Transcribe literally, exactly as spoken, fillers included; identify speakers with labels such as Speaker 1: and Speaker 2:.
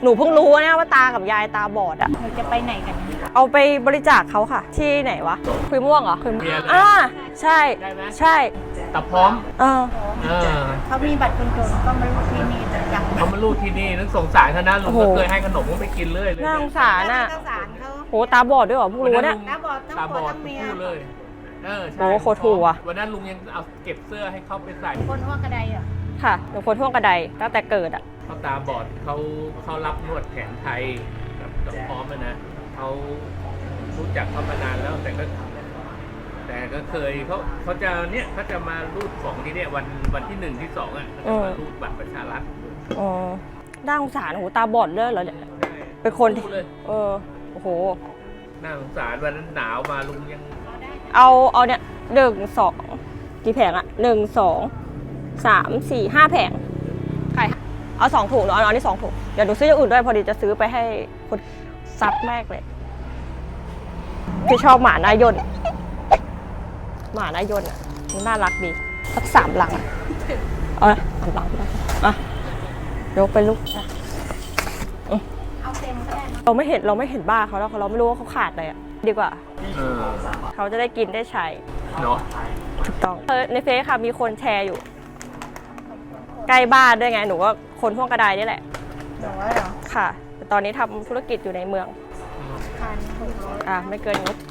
Speaker 1: หนูเพิ่งรู้นะว่าตากับยายตาบอดอ่ะหนูจะไปไหนกันเอาไปบริจาคเขาค่ะที่ไหนวะคุยม่วงเหรอคุยม่วงอ่าใช่ใช่
Speaker 2: ตาพร้อม
Speaker 1: เออ
Speaker 3: เขามีบัตรคนจนก็มาลูกที่นี่จัง
Speaker 2: เขามาลูกที่นี่นึกสงสารเขานะลุงก็เคยให้ขนมเขาไปกินเลย
Speaker 1: น่าสงสารน่ะ
Speaker 3: เขา
Speaker 1: โหตาบอดด้วยเหรอเพิ่งรู้เนี่ย
Speaker 3: ตาบอดทั้งผัวทั้งเมีย
Speaker 2: เลยเออ
Speaker 1: โอ้โคตรถูกอ่ะ
Speaker 2: วันนั้นลุงยังเอาเก็บเสื้อให้เขาไปใส่
Speaker 3: คนหัวกระไดอ่ะ
Speaker 1: ค่ะหนูคนท่วงกระไดตั้งแต่เกิดอ่ะ
Speaker 2: เขาตาบอดเขาเขารับนวดแผนไทยกับกับพร้อมนะเขารู้จักเขามานานแล้วแต่ก็แต่ก็เคยเขาเขาจะเนี่ยเขาจะมารูดของที่เนี่ยวันวันที่หนึ่งที่สองอ่ะเขาจะมารูดบัตรประชารัฐ
Speaker 1: อ๋อน่าสงสารโหตาบอดเลยเหรอเนี่ยเป็นคนที่เออโอ้โห
Speaker 2: น่าสงสารวันนั้นหนาวมาลุงยัง
Speaker 1: เอาเอาเนี่ยหนึ่งสองกี่แผงอะหนึ่งสองสามสี่ห้าแผงใครเอาสองถุงเนาะเอาอันนี้สองถุงเดี๋ยวหนูซื้ออย่างอื่นด้วยพอดีจะซื้อไปให้คนซัดแม่เลยที่ชอบหมาหน้ายนหมาหน้ายนอ่ะมันน่ารักดีสักสามหลังอ่ะเอาละสามหลังอ่ะยกไปลูก
Speaker 3: เอาเต็มก็ได้
Speaker 1: เราไม่เห็นเราไม่เห็นบ้าเขาแล้วเราไม่รู้ว่าเขาขาดอะไรอ่ะดีกว่าเขาจะได้กินได้ใช้
Speaker 2: เนาะ
Speaker 1: ถูกต้องในเฟซค่ะมีคนแชร์อยู่ใกล้บ้านด้วยไงหนูว่าคนท่วงกระไดนี่แหละ
Speaker 3: หนูว่าเหรอ
Speaker 1: ค่ะแต่ตอนนี้ทำธุรกิจอยู่ในเมือง
Speaker 3: พันหกร้อย
Speaker 1: อ่ะไม่เกินงบ